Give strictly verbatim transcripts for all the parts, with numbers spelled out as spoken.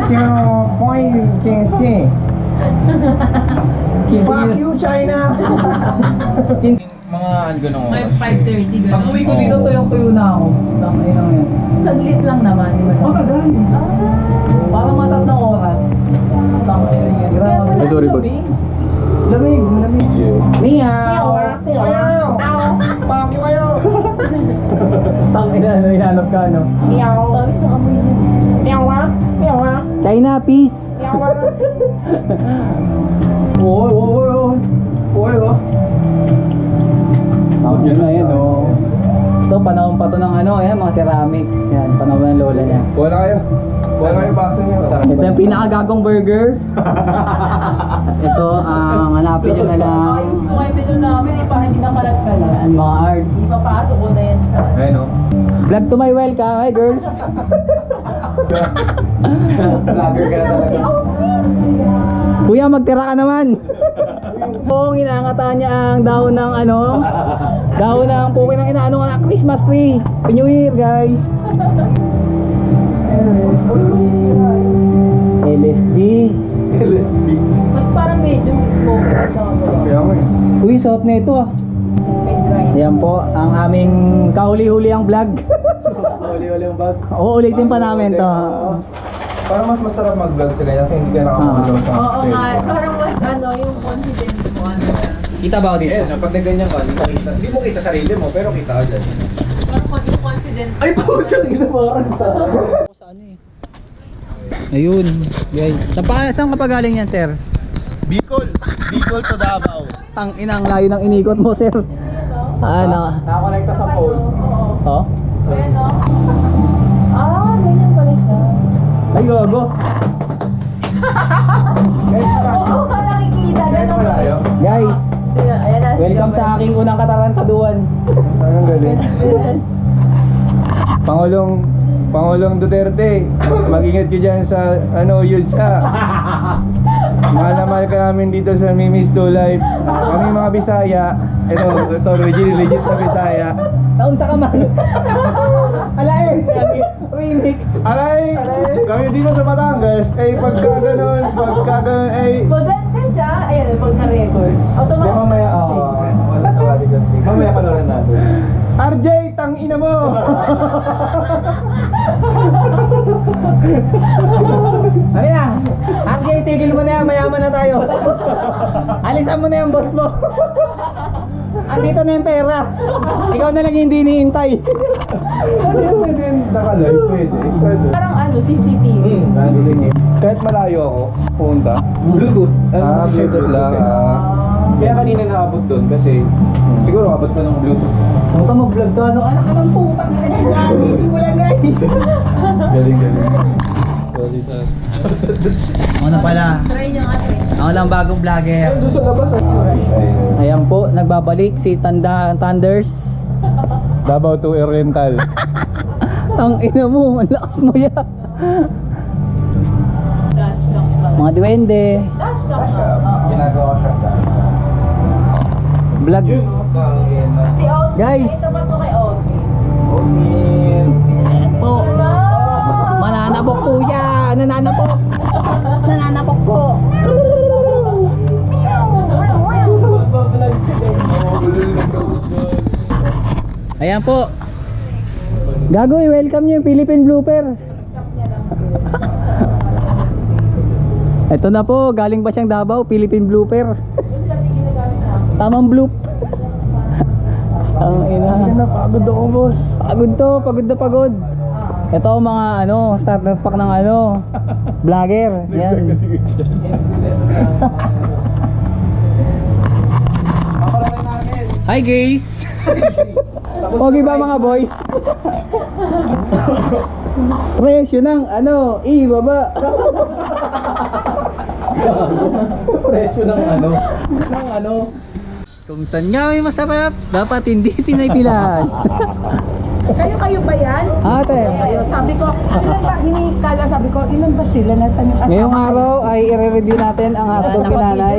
zero point fifteen. Fuck you, China! Mga ano ganun May oras. five thirty gano'n. Pag uwi ko dito, tuyong-tuyo na ako. Tangay lang yan. Saglit lang naman, di ba? Matagal. Parang matatlong oras. Tangay lang yan. Grabe. Ay, sorry, boss. Lamig, lamig. Meow! Meow! Fuck you kayo! Tangay na, ano, hinanap ka, no? Meow! Tawis sa amoy niya. Meow ah! Meow ah! China, peace. Meow ah! Oy, oy, oy, oy. Oy, oh. Tawag yun na yan, oh. Ito, panahon pa to ng ano, yan, mga ceramics. Yan, panahon ng lola niya. Kuha na kayo. Kuha na kayo baso niyo. Masarap. Ito yung pinakagagong burger. Ito, ang hanapin nyo na lang. Ayos ko kayo menu namin, eh, parang hindi nakalat-kalat. Ang mga art. Ipapasok ko na yan sa... Ayun o. Vlog to my welcome, hi girls. Vlogger ka na talaga. Kuya, magtira ka naman. Kung inaangatan niya ang dahon ng ano, dahon ng pukin ng inaano ng Christmas tree. Happy New Year, guys. L S D. L S D. Ba't parang medyo smoke sa Kaya mo eh. Uy, suot na ito ah. may dry. Yan po, ang aming kahuli-huli ang vlog. Uli-uli yung bag. Uulitin pa namin to. Parang mas masarap mag-vlog sa ganyan kasi hindi ka nakakulong sa Oo nga, cellphone. parang mas ano, yung confident mo, ano na. Kita ba ako dito? Eh, pag naganyan ka, hindi, kita, hindi mo kita sarili mo, pero kita ka dyan. Parang kon- yung confident. Ay, putang ina mo. Ayun, guys. Saan pa, saan ka pa galing yan, sir? Bicol. Bicol to Davao. Ang inang layo ng inikot mo, sir. Ano? Nakakonekta sa phone. Oh? Ayan, no? Ah, ganyan pala siya. Ay, gago. Oo, ka nakikita. Kahit Ganun malayo. Guys, Sila, ayan na. welcome sa aking unang katarantaduan. Ang galing. Pangulong Pangulong Duterte, mag-ingat ka dyan sa ano, yun siya. Mahal na mahal ka namin dito sa Mimi's to Life. Kami mga Bisaya. Ito, ito, legit, legit na Bisaya. Taon sa kamal. Ala eh, remix. Alay, kami dito sa Batangas, eh pagka ganun, pagka ganun, eh Maganda siya. Ayan, pag na-record. Automatic. Di, mamaya, oo. Mamaya panorin natin. R J, tang ina mo! Ano na? Actually, tigil mo na yan, mayaman na tayo. Alisan mo na yung boss mo. Andito na yung pera. Ikaw na lang hindi hinihintay. Ano yung pwede nakalive? Pwede, pwede. Parang ano, C C T V. Kahit malayo ako, punta. Bluetooth. Ah, Bluetooth lang. ah. Kaya kanina naabot doon kasi siguro abot pa ng Bluetooth. Huwag ka mag-vlog to. Ano? Anak ka ng putang ina niya. Gising mo lang, guys. Galing, galing. Ako na pala. Try niyo nga, try. Ako lang bagong vlogger. Doon sa labas. Ayan po, nagbabalik si Tanda Thunders. Davao to Oriental. Ang ina mo, ang lakas mo yan. Dash lang ba? Mga duwende. Dash lang ba? Oo. Ginagawa siya. Vlog. Si Audrey. Guys. Ito ba ito kay Audrey? Po. Mananabok po yan. Nananabok. Nananabok po. Magbablog siya din. Ayan po. Gago, i-welcome niyo yung Philippine Blooper. Ito na po, galing ba siyang Davao, Philippine Blooper. Yung kasi ginagamit namin. Tamang bloop. Ang ina. Pagod ako, boss. Pagod to, pagod na pagod. Ito ang mga ano, starter pack ng ano, vlogger. Yan. Hi guys. Pogi ba mga boys? Presyo ng ano, ibaba. Presyo ng ano? Ng ano? Kung saan nga may masarap, dapat hindi pinaypilan. Kayo-kayo ba yan? Ate, Kayo, sabi ko, ilan ba, hinikala, sabi ko, ilan ba sila? Nasaan yung asawa? ngayong araw ay i-review natin ang hotdog ni nanay.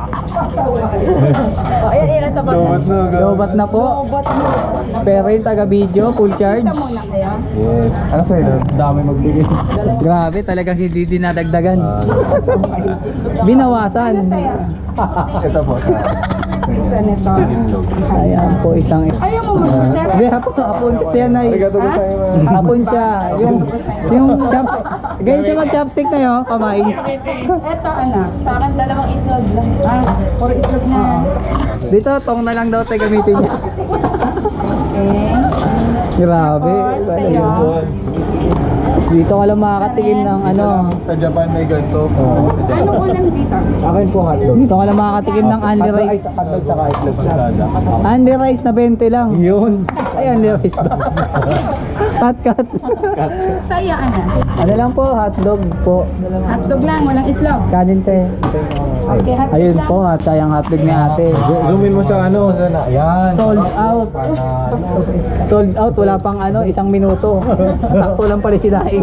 Ayan, ilan tapat na. Lowbat na. Lobat na po. Robot mo. Pero yung taga-video, full charge. Isa muna kayo. Yes. Ano sa'yo doon? Dami magbigay. Grabe, talagang hindi dinadagdagan. Binawasan. Ano sa'yo? Ito po sa Isa nito. Ayan po, isang... Ayaw mo mag-check? Hindi, hapon, hapon siya na Arigato ko sa'yo. man. hapon siya. Yung, yung chop... Ganyan siya mag-chopstick na yun, kamay. Eto, anak. Sa akin, dalawang itlog lang. Ah, puro itlog na. Dito, tong na lang daw tayo gamitin niya. Okay. Grabe. Tapos, sa'yo. Dito ka lang makakatikim ng ano. Sa Japan may ganito. Anong ulam dito? Akin po hotdog. Dito ka lang makakatikim ng Andy Rice. Hotdog sa itlog sa Andy Rice na twenty lang. Yun. Ay, Andy Rice. Cut, cut. Sa'yo, anak. Ano lang po, hotdog po. Hotdog lang, walang itlog. Kanin te. Okay, hotdog Ayun lang. po, at sayang hotdog ni ate. Zoomin mo sa ano, sa na. Yan. Sold out. Sold out, wala pang ano, isang minuto. Sakto lang pala si Daig.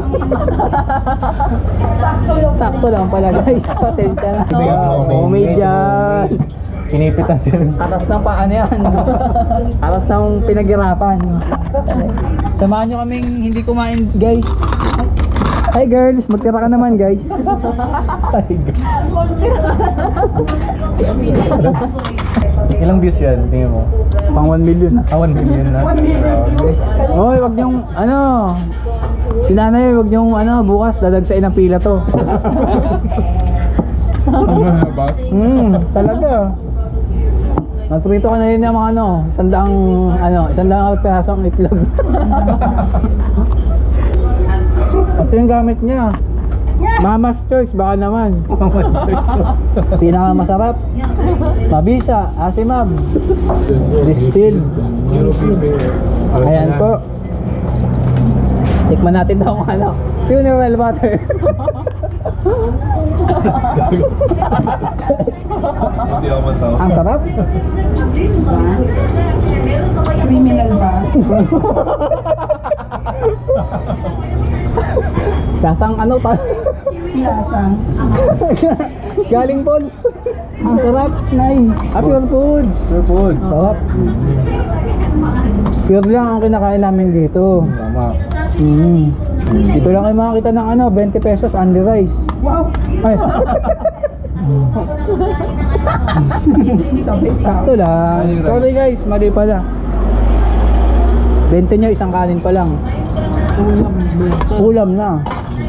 Sakto lang. Sakto lang pala guys, pasensya na. Homemade. Homemade yan. Pinipitas yun. Atas ng paano yan. Atas ng pinaghirapan. Samahan nyo kaming hindi kumain guys. Hi girls, magtira ka naman guys. Ilang views yan? Tingin mo? Pang one million na. Ah, one million na. Hoy, wag niyong ano. Si nanay, wag niyong ano, bukas dadagsain ng pila to. Ba? Hmm, talaga. Magprito ka na rin ng mga ano, sandaang ano, sandaang peraso ang itlog. Ito yung gamit niya. Mama's Choice, baka naman. Mama's Choice. Pinakamasarap. Mabisa, asimab. Distilled. Ayan po. Tikman natin daw kung ano. Funeral water. Hindi ako matawa. Ang sarap. Criminal ba? Lasang ano ta? Lasang. Galing Balls. Ang sarap, Nay. Ah, pure foods. Sir Food. Sarap. Pure lang ang kinakain namin dito. Tama. Mm. Dito lang kayo makakita ng ano, twenty pesos Andy Rice. Wow. Ay, Sabi ka. sakto lang. Sorry guys, mali pala. twenty nyo, isang kanin pa lang. Ulam. Ulam na.